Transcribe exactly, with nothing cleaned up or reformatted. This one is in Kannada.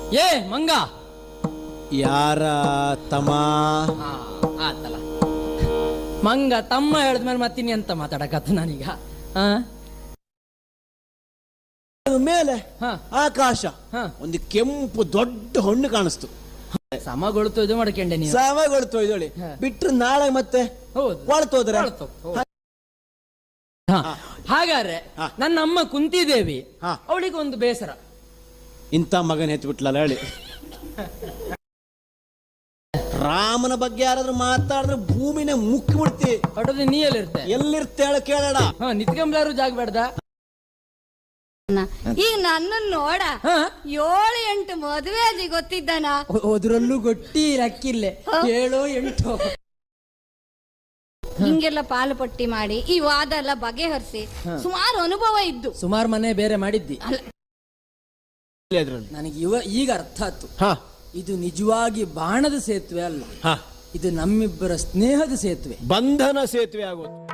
ಏ ಮಂಗ, ಯಾರ ತಮ್ಮ? ಆತಲ್ಲ ಮಂಗ ತಮ್ಮ ಹೇಳಿದ್ಮೇಲೆ ಮತ್ತಿನಿ ಅಂತ ಮಾತಾಡಕತ್ತ ನಾನೀಗ. ಆ ಮೇಲೆ ಹ. ಆಕಾಶ ಹ. ಒಂದು ಕೆಂಪು ದೊಡ್ಡ ಹೊಣ್ಣು ಕಾಣಿಸ್ತು. ಸಮಗೊಳ್ತು ಇದು ಮಾಡ್ಕೊಂಡೆ ನೀವು. ಸಾವಾಗೊಳ್ತು ಇದೊಳಿ ಹ. ಬಿಟ್ರೆ ನಾಳೆ ಮತ್ತೆ ಹೌದು ಕೊಳ್ತೋದ್ರೆ ಕೊಳ್ತು. ಹ. ಹಾಗಾದ್ರೆ ಹ. ನನ್ನ ಅಮ್ಮ ಕುಂತಿದೇವಿ, ಹ. ಅವಳಿಗೆ ಒಂದು ಬೇಸರ. ಇಂಥ ಮಗನ ಹೆತ್ಬಿಟ್ಲಲ್ಲ ಹೇಳಿ. ರಾಮನ ಬಗ್ಗೆ ಯಾರಾದ್ರೂ ಮಾತಾಡಿದ್ರೆ ಭೂಮಿನೇ ಮುಕ್ಕಿ ಬಿಡ್ತಿ. ಹೊಟ್ಟದ ನೀ ಎಲ್ಲಿರ್ತೆ? ಎಲ್ಲಿರ್ತೇಳ ಕೇಳಡ. ಹ ನಿತ್ಕೊಂಬ್ಲಾರು ಜಾಗ ಬೇಡ್ದ. ಈಗ ನನ್ನ ನೋಡ ಹ. ಏಳು ಎಂಟು ಮದುವೆ ಆಗಿ ಗೊತ್ತಿದ್ದಾನ. ಅದ್ರಲ್ಲೂ ಗೊಟ್ಟಿ ಲಕ್ಕಿಲ್ಲೆ ಏಳು ಎಂಟು ಹಿಂಗೆಲ್ಲ ಪಾಲು ಪಟ್ಟಿ ಮಾಡಿ ಈ ವಾದ ಎಲ್ಲ ಬಗೆಹರಿಸಿ ಸುಮಾರು ಅನುಭವ ಇದ್ದು ಸುಮಾರು ಮನೆ ಬೇರೆ ಮಾಡಿದ್ದಿ. ಅಲ್ಲ, ನನಗೆ ಇವ ಈಗ ಅರ್ಥ ಆಯ್ತು. ಹ ಇದು ನಿಜವಾಗಿ ಬಾಣದ ಸೇತುವೆ ಅಲ್ಲ, ಹ ಇದು ನಮ್ಮಿಬ್ಬರ ಸ್ನೇಹದ ಸೇತುವೆ. ಬಂಧನ ಸೇತುವೆ ಆಗೋದು.